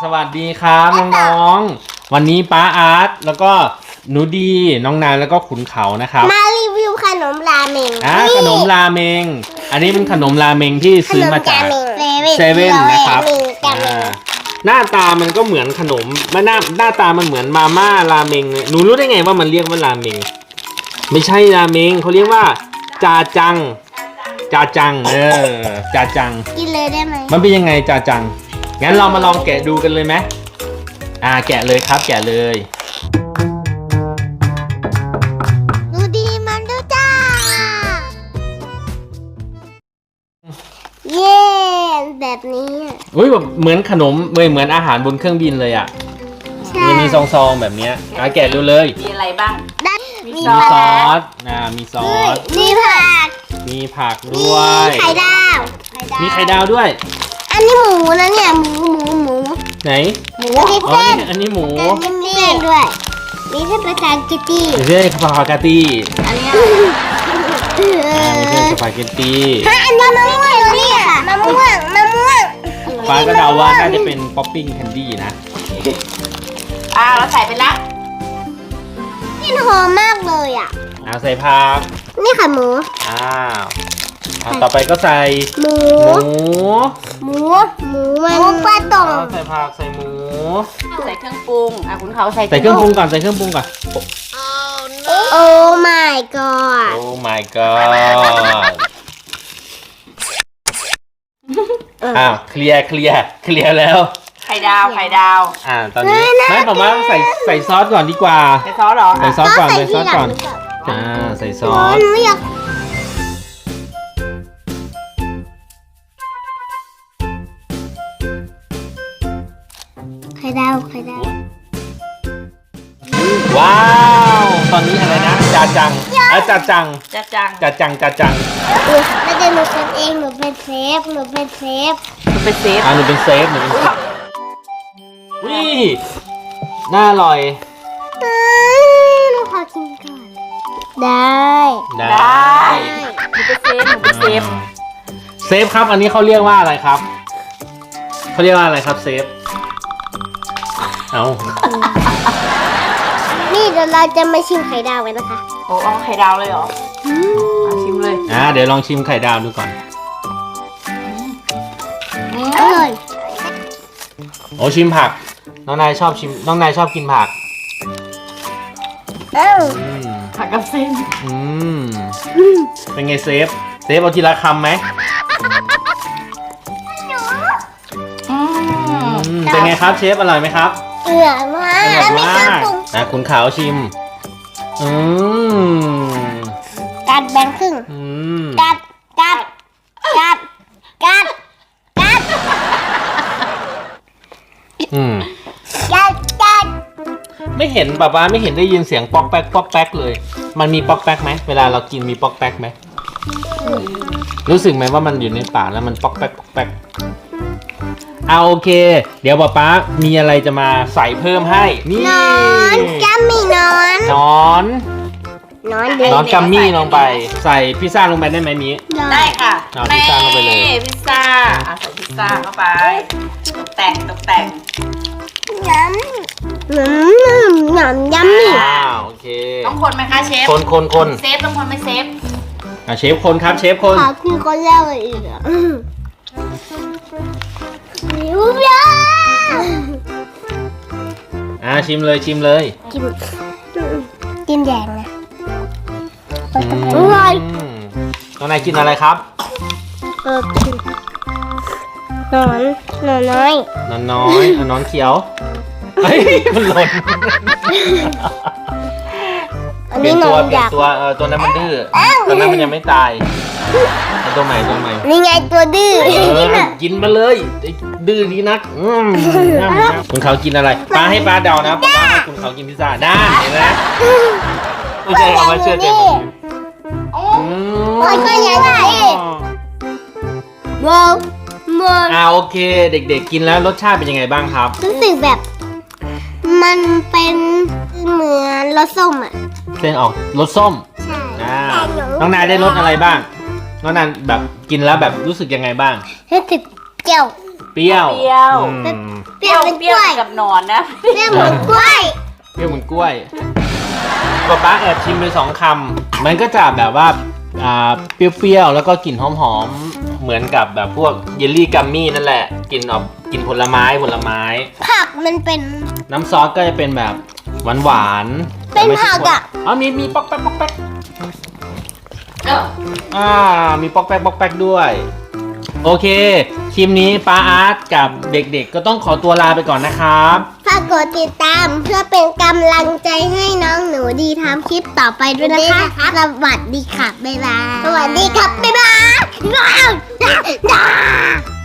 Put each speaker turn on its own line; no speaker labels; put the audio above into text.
สวัสดีครับน้องๆวันนี้ป้าอาร์ตแล้วก็หนูดีน้องนายแล้วก็ขุนเขานะครับ
มารีวิวขนมราเมง
ขนมราเมงอันนี้เป็นขนมราเมงที่ซื้อมาจากเซเว่นนะครับหน้าตามันก็เหมือนขนมหน้าตามันเหมือนมาม่าราเมงหนูรู้ได้ไงว่ามันเรียกว่าราเมงไม่ใช่ราเมงเขาเรียกว่าจาจังจาจังจาจัง
กินเลยได้ไหม
มันเป็นยังไงจาจังงั้นเรามาลองแกะดูกันเลยไหมแกะเลยครับแกะเลย
ดูดีมันดูจ้าเย้แบบนี้
อุ้ยแบบเหมือนขนมเหมือนอาหารบนเครื่องบินเลยอ่ะมันมีซองๆแบบนี้แกะดูเลย
มีอะไรบ้าง
มีซอสมีซอสมีผักด้วย
มีไข่ดาว
มีไข่ดาวด้วย
อันนี้หมูนะเนี่ยหมู
ไหน
หมู
อันนี้หมู
มีเส้นด้วยมีเส้นสปาเกตตี้
มีเส้นสปาเกตตี้
อันนี้
มีเส้นสปาเกตตี้
อันนี้มะม่วงเนี่ยมะม่วง
ป้าก็เดาว่าน่าจะเป็นป๊อปปิ้งแคนดี้นะ
เราใส่ไปละ
นี่หอมมากเลย
ใส่ผัก
นี่ค่ะหมู
ต่อไปก็ใส่
หมูปลาตอง
ใส่ผักใส่หมู
ใส่เครื่องปรุงคุณเขาใส่
เครื่องปรุงก่อนใส่เครื่องปรุงก่อน
โอ้ my god
โอ้ my god เคลียร์แล้ว
ไข่ดาว
ตอนนี้ไม่บอกว่าใส่ซอสก่อนดีกว่า
ใส่ซอสเหรอ
ใส่ซอสก่อนใส่ซอสก่อนใส่ซอส
ไข่ดาว
ว้าวตอนนี้อะไรนะจาจัง
ไม่ได้หนู
เป็นเองหนูเป็นเซฟ
เป็นเซฟวิน่าอร่อย
หนูขอกินก่อนได้
หนูเป็นเซฟ
ครับอันนี้เขาเรียกว่าอะไรครับเขาเรียกว่าอะไรครับเซฟ
นี่เดี๋ยวเราจะมาชิมไข่ดาวกันนะคะ
เอาไข่ดาวเลยเหรอชิมเลย
เดี๋ยวลองชิมไข่ดาวดูก่อน
อร่อย
ชิมผักน้องนายชอบกินผัก
ผักกับเส้น
เป็นไงเซฟเอาทีละคำไหมเป็นไงครับเชฟอร่อยไหมครับ
อร่อยมาก
คุณขาวชิม
กัดแบ่งครึ่งกัด
ไม่เห็นป้าไม่เห็นได้ยินเสียงป๊อกแป๊กเลยมันมีป๊อกแป๊กไหมเวลาเรากินมีป๊อกแป๊กไหมรู้สึกไหมว่ามันอยู่ในปากแล้วมันป๊อกแป๊กโอเคเดี๋ยวป้ามีอะไรจะมาใส่เพิ่มให้นี่
นอนกัมมี่นอน
กัมมี่ลงไปใส่พิซซ่าลงไปได้ไหมมี
ได้ค่ะ
พิซซ่าลงไปเลย
พิซซ่าใส่พิซซ่าเข้าไปตกแต่ง
ยัมมี่
โอเค
ต้องคนไหมคะเชฟ
คน
เซฟต้องคนไหมเซฟ
เชฟคนครับเชฟคน
ขอคือคนแรกเลยอีก
ชิมเลย
กินแดงนะอร่อย
น้องนายกินอะไรครับ
นอนน้อย
นอนเขียวเฮ้ยมันหล่นเปลี่ยนตัวนั้นมันดื้อตัวนั้นมันยังไม่ตายตัวใหม่
นี่ไงตัวดื้อ
กินมาเลยดื้อดีนักคุณเขากินอะไรให้ป้าเดานะป้าให้คุณเขากินพิซซ่าได้เห็นไหมไม่ใช่เอามาเชื่อใจผม
ก็ยังไง
โอเคเด็กๆกินแล้วรสชาติเป็นยังไงบ้างครับ
รู้สึกแบบมันเป็นเหมือนรสส้ม
เส้นออกรสส้มน้องนายได้รสอะไรบ้างน้องนายแบบกินแล้วแบบรู้สึกยังไงบ้าง
รู้สึกเจียว
เปรี้ยว
เปรี้ยว
อืม
เปรี้ยวเป็น
เป
ก
รี้ยว
ล้วย
กับหนอนนะ
เปรี้ยวเหมือนกล้วย
เปรี้ยวเหมือนกล้วยป๊าแอบชิมไป2 คำมันก็จะแบบว่าเปรี้ยวๆแล้วก็กลิ่นหอมๆเหมือนกับแบบพวกเยลลี่กัมมี่นั่นแหละกลิ่นออกกลิ่นผลไม้
ผักมันเป็น
น้ำซอสก็จะเป็นแบบหวานๆ
เป็นผักอะ
อ๋อมีป๊อกแป๊กป๊อกแป๊ก
เออ
มีป๊อกแป๊กป๊อกแป๊กด้วยโอเคคลิปนี้ป้าอาร์ตกับเด็กๆก็ต้องขอตัวลาไปก่อนนะครับ
ฝากกดติดตามเพื่อเป็นกำลังใจให้น้องหนูดีทำคลิปต่อไปด้วยนะคะ สวัสดีค่ะ บ๊ายบาย สวัสดีครับ บ๊ายบาย